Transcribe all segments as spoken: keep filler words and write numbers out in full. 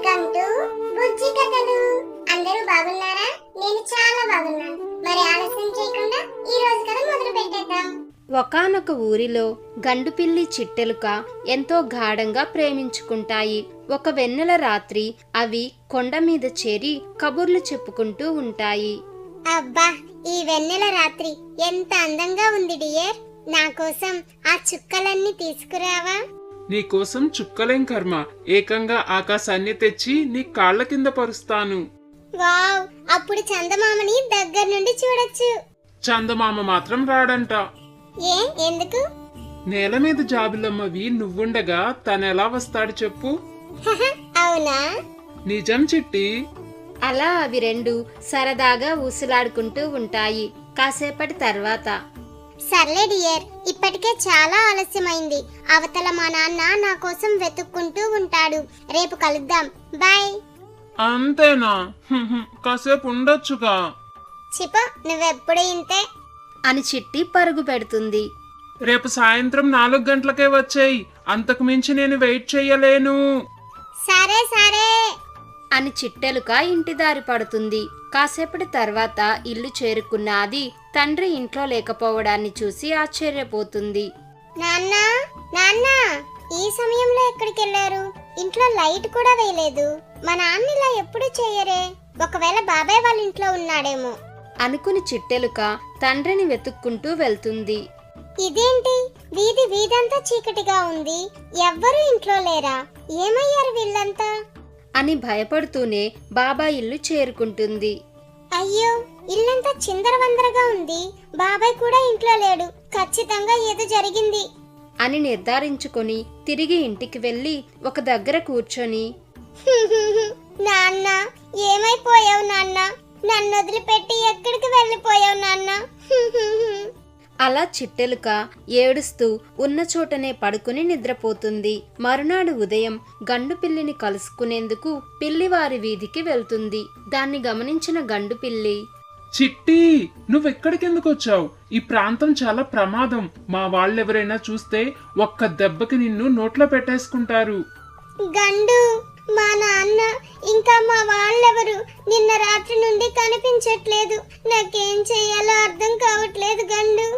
Welcome to బుజ్జి కథలు. అందరూ బాగున్నారా? నేను చాలా బాగున్నాను. మరి ఆలస్యం చేయకుండా ఈ రోజు కథ మొదలు పెట్టేద్దాం. ఒకానొక ఊరిలో గండుపిల్లి చిట్టెలుక ఎంతో గాఢంగా ప్రేమించుకుంటాయి. ఒక వెన్నెల రాత్రి అవి కొండ మీద చేరి కబుర్లు చెప్పుకుంటూ ఉంటాయి. అబ్బా, ఈ వెన్నెల రాత్రి ఎంత అందంగా ఉంది డియర్. నా కోసం ఆ చుక్కలన్నీ తీసుకురావా? నీకోసం చుక్కలేం కర్మ, ఏకంగా ఆకాశాన్ని తెచ్చి నీ కాళ్ల కింద పరుస్తాను. వావ్, అప్పుడు చందమామని దగ్గర నుండి చూడొచ్చు. చందమామ మాత్రం రాడంట. ఏ ఎందుకు? నేల మీద జాబిలమ్మవి నువ్వుండగా తనెలా వస్తాడు చెప్పు? అవునా? నిజం చిట్టి. అలా అవి రెండు సరదాగా ఊసులాడుకుంటూ ఉంటాయి. కాసేపటి తర్వాత, సర్లే డియర్, ఇప్పటికే చాలా ఆలస్యమైంది. అవతల మా నాన్న నా కోసం వెతుక్కుంటూ ఉంటాడు. రేపు కలుద్దాం. బాయ్. అంతేనా? హుహు, కాసేపు ఉండొచ్చుగా. చిప, నువ్వెప్పుడు ఇంతే. అని చిట్టి పరుగు పెడుతుంది. రేపు సాయంత్రం నాలుగు గంటలకే వచ్చేయి. అంతకు మించి నేను వెయిట్ చెయ్యలేను. సరే సరే అని చిట్టెలుక ఇంటి దారి పడుతుంది. కాసేపటి తర్వాత ఇల్లు చేరుకున్న అది తండ్రి ఇంట్లో లేకపోవడాన్ని చూసి ఆశ్చర్యపోతుంది. నాన్న నాన్న, ఈ సమయంలో ఎక్కడికి వెళ్ళారు? ఇంట్లో లైట్ కూడా వేయలేదు. మా నాన్న ఇలా ఎప్పుడు చేయరే. ఒకవేళ బాబాయ్ వాళ్ళ ఇంట్లో ఉన్నాడేమో అనుకుని చిట్టెలుక తండ్రిని వెతుక్కుంటూ వెళ్తుంది. ఇదేంటి, వీధి వీధంతా చీకటిగా ఉంది. ఎవ్వరూ ఇంట్లో లేరా? ఏమయ్యారు వీళ్ళంతా? అని భయపడుతూనే బాబాయ్ ఇల్లు చేరుకుంటుంది. అయ్యో, ఇల్లంతా చిందరవందరగా ఉంది. బాబాయ్ కూడా ఇంట్లో లేడు. ఖచ్చితంగా ఏదో జరిగింది అని నిర్ధారించుకొని తిరిగి ఇంటికి వెళ్లి ఒక దగ్గర కూర్చొని, నాన్న, ఏమైపోయావు నాన్న? నన్ను వదిలిపెట్టి ఎక్కడికి వెళ్ళిపోయావు నాన్న? అలా చిట్టెలుక ఏడుస్తూ ఉన్న చోటనే పడుకుని నిద్రపోతుంది. మరునాడు ఉదయం గండు పిల్లిని కలుసుకునేందుకు పిల్లివారి వీధికి వెళ్తుంది. దాన్ని గమనించిన గండు పిల్లి, చిట్టి, నువ్వెక్కడికెందుకు వచ్చావు? ఈ ప్రాంతం చాలా ప్రమాదం. మా వాళ్ళెవరైనా చూస్తే ఒక్క దెబ్బకి నిన్ను నోట్లో పెట్టేసుకుంటారు. గండు, మా నాన్న ఇంకా మా వాళ్ళెవరు నిన్న రాత్రి నుండి కనిపించట్లేదు. నాకేం చెయ్యాలో అర్థం కావట్లేదు గండు.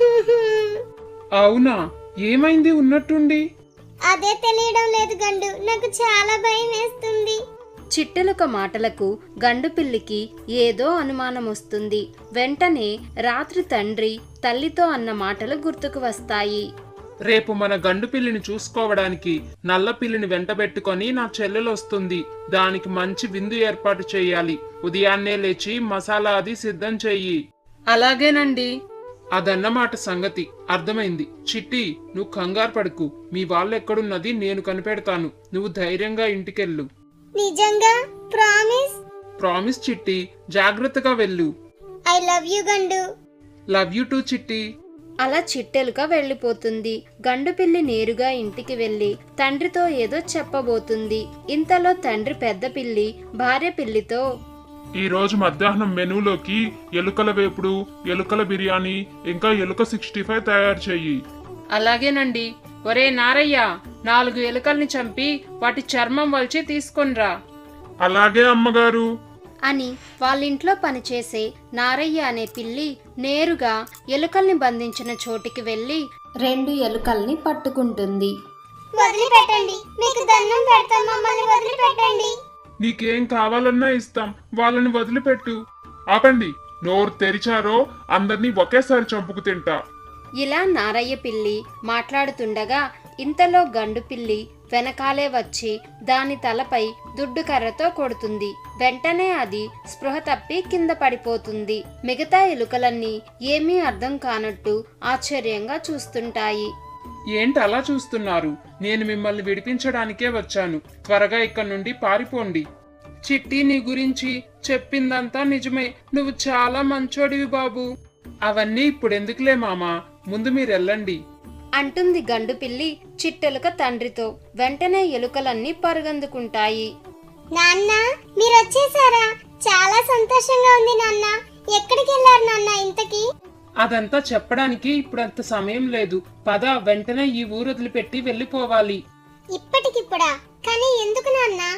అవునా? ఏమైంది ఉన్నట్టుండి? అదే తెలియడం లేదు గండు. నాకు చాలా భయం వేస్తుంది. చిట్టెలుక మాటలకు గండు పిల్లికి ఏదో అనుమానం వస్తుంది. వెంటనే రాత్రి తండ్రి తల్లితో అన్న మాటలు గుర్తుకు వస్తాయి. రేపు మన గండు పిల్లిని చూసుకోవడానికి నల్ల పిల్లిని వెంటబెట్టుకొని నా చెల్లెలు వస్తుంది. దానికి మంచి విందు ఏర్పాటు చేయాలి. ఉదయాన్నే లేచి మసాలా అది సిద్ధం చెయ్యి. అలాగేనండి. అదన్నమాట సంగతి. అర్థమైంది. చిట్టి, నువ్వు కంగారు పడుకు. మీ వాళ్ళెక్కడున్నది నేను కనిపెడతాను. నువ్వు ధైర్యంగా ఇంటికెళ్ళు. నిజంగా? ప్రామిస్? ప్రామిస్ చిట్టి. జాగ్రత్తగా వెళ్ళు. I love you Gandu. Love you too Chitti. అలా చిట్టెలుక వెళ్లిపోతుంది. గండు పిల్లి నేరుగా ఇంటికి వెళ్లి తండ్రితో ఏదో చెప్పబోతుంది. ఇంతలో తండ్రి పెద్ద పిల్లి భార్య పిల్లితో, ఈ రోజు మధ్యాహ్నం మెనూలోకి ఎలుకల వేపుడు, ఎలుకల బిర్యానీ, ఇంకా ఎలుక సిక్స్టీ ఫైవ్ తయారు చెయ్యి. అలాగేనండి. ఒరే నారయ్య, నాలుగు ఎలుకల్ని చంపి వాటి చర్మం వల్చి తీసుకొనిరా. అలాగే అమ్మగారు. అని వాళ్ళింట్లో పనిచేసే నారయ్య అనే పిల్లి నేరుగా ఎలుకల్ని బంధించిన చోటికి వెళ్లి రెండు ఎలుకల్ని పట్టుకుంటుంది. వదిలిపెట్టండి, మీకు దండం పెడతాం, మమ్మల్ని వదిలిపెట్టండి. నీకేం కావాలన్నా ఇస్తాం, వాళ్ళని వదిలిపెట్టు. ఆపండి, నోరు తెరిచారో అందరినీ ఒకేసారి చంపుకు తింటా. ఇలా నారయ్య పిల్లి మాట్లాడుతుండగా ఇంతలో గండు పిల్లి వెనకాలే వచ్చి దాని తలపై దుడ్డు కర్రతో కొడుతుంది. వెంటనే అది స్పృహ తప్పి కింద పడిపోతుంది. మిగతా ఎలుకలన్నీ ఏమీ అర్థం కానట్టు ఆశ్చర్యంగా చూస్తుంటాయి. ఏంటి అలా చూస్తున్నారు? నేను మిమ్మల్ని విడిపించడానికే వచ్చాను. త్వరగా ఇక్కడి నుండి పారిపోండి. చిట్టి, నీ గురించి చెప్పిందంతా నిజమే. నువ్వు చాలా మంచోడివి బాబు. అవన్నీ ఇప్పుడెందుకులే మామా, ముందు మీరెళ్ళండి అంటుంది గండు పిల్లి చిట్టెలుక తండ్రితో. వెంటనే ఎలుకలన్నీ పరుగందుకుంటాయి. నాన్న, మీరు వచ్చేసారా? చాలా సంతోషంగా ఉంది నాన్న. ఎక్కడికి వెళ్ళారు నాన్న ఇంతకీ? అదంతా చెప్పడానికి ఇప్పుడంత సమయం లేదు. పద, వెంటనే ఈ ఊరు వదిలిపెట్టి వెళ్ళిపోవాలి. ఇప్పటికిప్పుడా? కానీ ఎందుకు నాన్న?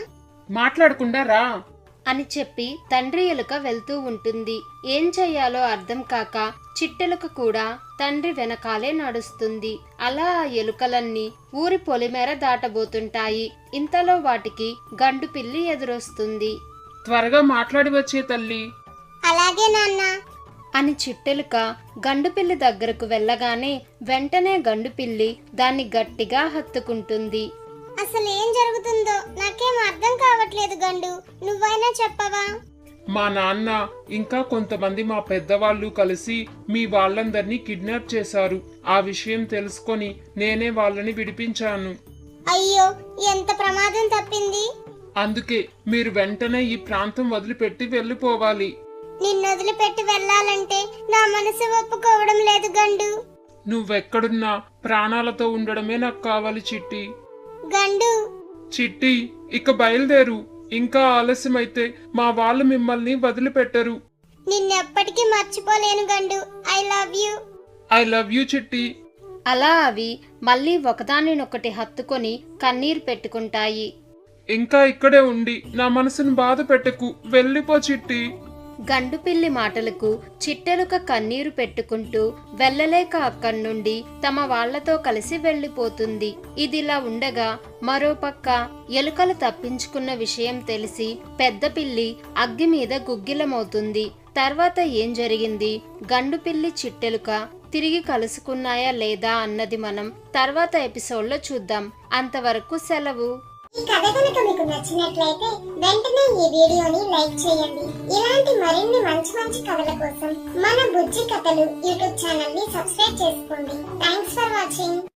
మాట్లాడకుండా రా అని చెప్పి తండ్రి ఎలుక వెళ్తూ ఉంటుంది. ఏం చెయ్యాలో అర్థం కాక చిట్టెలుక కూడా తండ్రి వెనకాలే నడుస్తుంది. అలా ఆ ఎలుకలన్నీ ఊరి పొలిమేర దాటబోతుంటాయి. ఇంతలో వాటికి గండు పిల్లి ఎదురొస్తుంది. త్వరగా మాట్లాడి వచ్చే తల్లి. అలాగే నాన్న. అని చిట్టెలుక గండుపిల్లి దగ్గరకు వెళ్ళగానే వెంటనే గండుపిల్లి దాన్ని గట్టిగా హత్తుకుంటుంది. అసలు ఏం జరుగుతుందో నాకేం అర్థం కావట్లేదు గండు, నువ్వైనా చెప్పవా? మా నాన్న ఇంకా కొంతమంది మా పెద్దవాళ్ళు కలిసి మీ వాళ్ళందరినీ కిడ్నాప్ చేశారు. ఆ విషయం తెలుసుకొని నేనే వాళ్ళని విడిపించాను. అయ్యో, ఎంత ప్రమాదం తప్పింది. అందుకే మీరు వెంటనే ఈ ప్రాంతం వదిలిపెట్టి వెళ్ళిపోవాలి. నిన్ను వదిలిపెట్టి వెళ్ళాలంటే నా మనసు ఒప్పుకోవడం లేదు గండు. నువ్వెక్కడున్నా ప్రాణాలతో ఉండడమే నాకు కావాలి చిట్టి. గండు, చిట్టి, ఇక బయలుదేరు. ఇంకా ఆలస్యమైతే మా వాళ్ళు మిమ్మల్ని వదిలిపెట్టరు. నిన్నెప్పటికీ మర్చిపోలేను Gandu. I love you. I love you Chitti. అలా అవి మళ్ళీ ఒకదానినొకటి హత్తుకొని కన్నీరు పెట్టుకుంటాయి. ఇంకా ఇక్కడే ఉండి నా మనసును బాధ పెట్టకు, వెళ్ళిపో చిట్టి. గండుపిల్లి మాటలకు చిట్టెలుక కన్నీరు పెట్టుకుంటూ వెళ్ళలేక అక్కడి నుండి తమ వాళ్లతో కలిసి వెళ్లిపోతుంది. ఇదిలా ఉండగా మరోపక్క ఎలుకలు తప్పించుకున్న విషయం తెలిసి పెద్ద పిల్లి అగ్గి మీద గుగ్గిలమవుతుంది. తర్వాత ఏం జరిగింది, గండుపిల్లి చిట్టెలుక తిరిగి కలుసుకున్నాయా లేదా అన్నది మనం తర్వాత ఎపిసోడ్లో చూద్దాం. అంతవరకు సెలవు. ఈ కథ కనుక మీకు నచ్చినట్లయితే వెంటనే ఈ వీడియోని లైక్ చేయండి. ఇలాంటి మరిన్ని మంచి మంచి కథల కోసం మన బుజ్జి కథలు యూట్యూబ్ ఛానల్ ని సబ్స్క్రైబ్ చేసుకోండి. Thanks for watching.